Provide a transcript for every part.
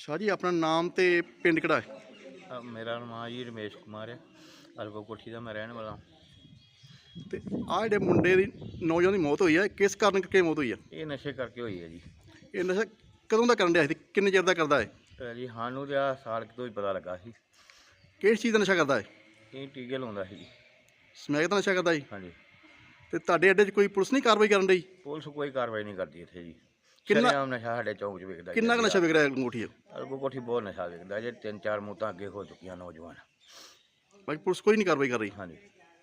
शाह जी अपना नाम ते पिंड किहड़ा है? मेरा नाम जी रमेश कुमार है। अलगो कोठी का मैं रहने वाला हूँ। ते आ जिहड़े मुंडे दी नौजवान की मौत हुई है किस कारण करके मौत हुई है? ये नशे करके हुई है जी। ये नशा कदों दा करन दिया सी? किन्ने चिर दा करदा है? जी सानू तो साल तो ही पता लगा सी। किस चीज़ का नशा करदा है? ये टीके लाउंदा सी जी। समैक दा नशा करदा है? हाँ जी। ते तुहाडे अड्डे च कोई पुलिस नहीं कार्रवाई करन रही? पुलिस कोई कार्रवाई नहीं करती इत्थे जी। किन्ना शरेआम नशा साढ़े चौक च विकदा किन्ना का नशा विक रहा है अंगूठी? अलगो कोठी बहुत नशा विकदा जी। 3-4 मौतां अगे हो चुकी नौजवान। बाकी पुलिस कोई नहीं कार्रवाई कर रही? हाँ जी।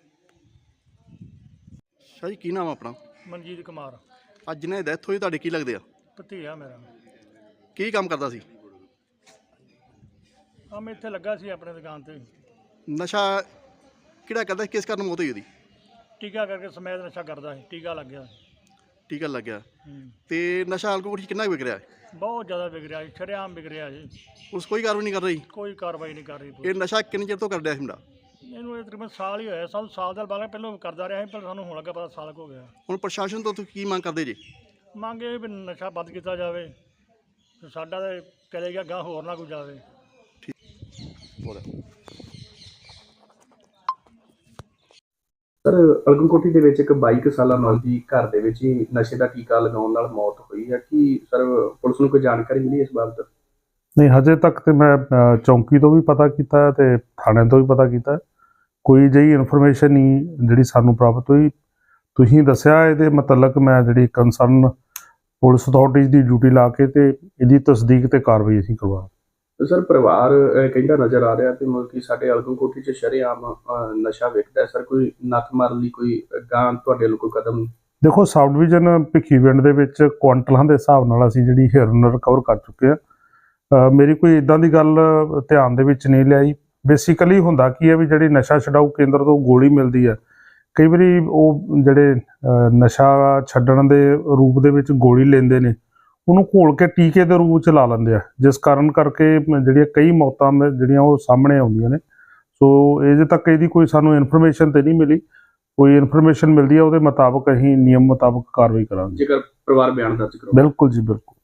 शाह जी की नाम है अपना? ਮਨਜੀਤ ਕੁਮਾਰ ਅੱਜ ਜਿਹਨੇ ਡੈਥ ਹੋਈ ਤੁਹਾਡੇ ਕੀ ਲੱਗਦੇ ਆ? ਭਤੀਆ ਮੇਰਾ। ਕੀ ਕੰਮ ਕਰਦਾ ਸੀ? ਕੰਮ ਇੱਥੇ ਲੱਗਾ ਸੀ ਆਪਣੇ ਦੁਕਾਨ ਤੇ। ਨਸ਼ਾ ਕਿਹੜਾ ਕਰਦਾ ਸੀ? ਕਿਸ ਕਾਰਨ ਮੌਤ ਹੋਈ ਉਹਦੀ? ਟੀਕਾ ਕਰਕੇ ਸਮੈਦ ਨਸ਼ਾ ਕਰਦਾ ਸੀ, ਟੀਕਾ ਲੱਗ ਗਿਆ। ਟੀਕਾ ਲੱਗ ਗਿਆ ਤੇ ਨਸ਼ਾ ਅੰਗੂਠੀ ਕਿੰਨਾ ਕੁ ਵਿਕ ਰਿਹਾ ਹੈ? ਬਹੁਤ ਜ਼ਿਆਦਾ ਵਿਕ ਰਿਹਾ ਜੀ, ਸ਼ਰੇਆਮ ਵਿਕ ਰਿਹਾ ਜੀ। ਪੁਲਿਸ ਕੋਈ ਕਾਰਵਾਈ ਨਹੀਂ ਕਰ ਰਹੀ? ਕੋਈ ਕਾਰਵਾਈ ਨਹੀਂ ਕਰ ਰਹੀ ਇਹ ਪੁਲਿਸ। ਨਸ਼ਾ ਕਿੰਨੇ ਚਿਰ ਤੋਂ ਕਰ ਰਿਹਾ ਸੀ ਮੁੰਡਾ? ਇਹਨੂੰ ਇਹ ਤਕਰੀਬਨ ਸਾਲ ਹੀ ਹੋਇਆ। ਸਾਨੂੰ ਸਾਲ ਦਾ ਬਾਅਦ ਪਹਿਲਾਂ ਕਰਦਾ ਰਿਹਾ ਸੀ, ਪਰ ਸਾਨੂੰ ਹੁਣ ਲੱਗਾ ਪਤਾ ਸਾਲ ਕੁ ਹੋ ਗਿਆ। ਹੁਣ ਪ੍ਰਸ਼ਾਸਨ ਤੋਂ ਤੁਸੀਂ ਕੀ ਮੰਗ ਕਰਦੇ ਜੀ? ਮੰਗ ਇਹ ਵੀ ਨਸ਼ਾ ਬੰਦ ਕੀਤਾ ਜਾਵੇ ਤੇ ਸਾਡਾ ਤਾਂ ਚਲੇ ਗਿਆ ਗਾਂ, ਹੋਰ ਨਾ ਕੋਈ ਜਾਵੇ। ਸਰ ਅਲਗਨ ਕੋਠੀ ਦੇ ਵਿੱਚ ਇੱਕ 22 ਸਾਲਾ ਨੌਜਵਾਨ ਦੀ ਘਰ ਦੇ ਵਿੱਚ ਹੀ ਨਸ਼ੇ ਦਾ ਟੀਕਾ ਲਗਾਉਣ ਨਾਲ ਮੌਤ ਹੋਈ ਹੈ। ਕੀ ਸਰ ਪੁਲਿਸ ਨੂੰ ਕੋਈ ਜਾਣਕਾਰੀ ਮਿਲੀ ਇਸ ਬਾਬਤ? ਨਹੀਂ, ਹਜੇ ਤੱਕ ਤੇ ਮੈਂ ਚੌਂਕੀ ਤੋਂ ਵੀ ਪਤਾ ਕੀਤਾ ਤੇ ਥਾਣੇ ਤੋਂ ਵੀ ਪਤਾ ਕੀਤਾ। ਕੋਈ ਜਿਹੀ ਇਨਫੋਰਮੇਸ਼ਨ ਨਹੀਂ ਜਿਹੜੀ ਸਾਨੂੰ ਪ੍ਰਾਪਤ ਹੋਈ। ਤੁਸੀਂ ਦੱਸਿਆ ਇਹਦੇ ਮੁਤਲਕ ਮੈਂ ਜਿਹੜੀ ਕੰਸਰਨ ਪੁਲਿਸ ਅਥਾਰਟੀਜ਼ ਦੀ ਡਿਊਟੀ ਲਾ ਕੇ ਤੇ ਇਹਦੀ ਤਸਦੀਕ ਤੇ ਕਾਰਵਾਈ ਅਸੀਂ ਕਰਵਾ। ਸਰ ਪਰਿਵਾਰ ਕਹਿੰਦਾ ਨਜ਼ਰ ਆ ਰਿਹਾ ਤੇ ਮਤਲਬ ਕਿ ਸਾਡੇ ਅਲਗਨ ਕੋਠੀ 'ਚ ਸ਼ਰੇਆਮ ਨਸ਼ਾ ਵਿਕਦਾ। ਸਰ ਕੋਈ ਨੱਥ ਮਾਰਨ ਲਈ ਕੋਈ ਗਾਂ ਤੁਹਾਡੇ ਵੱਲੋਂ ਕੋਈ ਕਦਮ? ਦੇਖੋ, ਸਬ ਡਿਵੀਜ਼ਨ ਭਿੱਖੀਵਿੰਡ ਦੇ ਵਿੱਚ ਕੁਆਂਟਲਾਂ ਦੇ ਹਿਸਾਬ ਨਾਲ ਅਸੀਂ ਜਿਹੜੀ ਹੀਰੋਇਨ ਰਿਕਵਰ ਕਰ ਚੁੱਕੇ ਆ। ਮੇਰੀ ਕੋਈ ਇਦਾਂ ਦੀ ਗੱਲ ਧਿਆਨ ਦੇ ਵਿੱਚ ਨਹੀਂ ਲਿਆਈ। ਬੇਸਿਕਲੀ ਹੁੰਦਾ ਕੀ ਹੈ ਵੀ ਜਿਹੜੀ ਨਸ਼ਾ ਛਡਾਊ ਕੇਂਦਰ ਤੋਂ ਗੋਲੀ ਮਿਲਦੀ ਹੈ, ਕਈ ਵਾਰੀ ਉਹ ਜਿਹੜੇ ਨਸ਼ਾ ਛੱਡਣ ਦੇ ਰੂਪ ਦੇ ਵਿੱਚ ਗੋਲੀ ਲੈਂਦੇ ਨੇ, ਉਹਨੂੰ ਘੋਲ ਕੇ ਟੀਕੇ ਦੇ ਰੂਪ 'ਚ ਲਾ ਲੈਂਦੇ ਆ, ਜਿਸ ਕਾਰਨ ਕਰਕੇ ਜਿਹੜੀਆਂ ਕਈ ਮੌਤਾਂ ਜਿਹੜੀਆਂ ਉਹ ਸਾਹਮਣੇ ਆਉਂਦੀਆਂ ਨੇ। ਸੋ ਅਜੇ ਤੱਕ ਇਹਦੀ ਕੋਈ ਸਾਨੂੰ ਇਨਫੋਰਮੇਸ਼ਨ ਤੇ ਨਹੀਂ ਮਿਲੀ। ਕੋਈ ਇਨਫੋਰਮੇਸ਼ਨ ਮਿਲਦੀ ਹੈ ਉਹਦੇ ਮੁਤਾਬਕ ਅਸੀਂ ਨਿਯਮ ਮੁਤਾਬਕ ਕਾਰਵਾਈ ਕਰਾਂਗੇ। ਜੇਕਰ ਪਰਿਵਾਰ ਬਿਆਨ ਦਰਜ ਕਰੋ। ਬਿਲਕੁਲ ਜੀ, ਬਿਲਕੁਲ।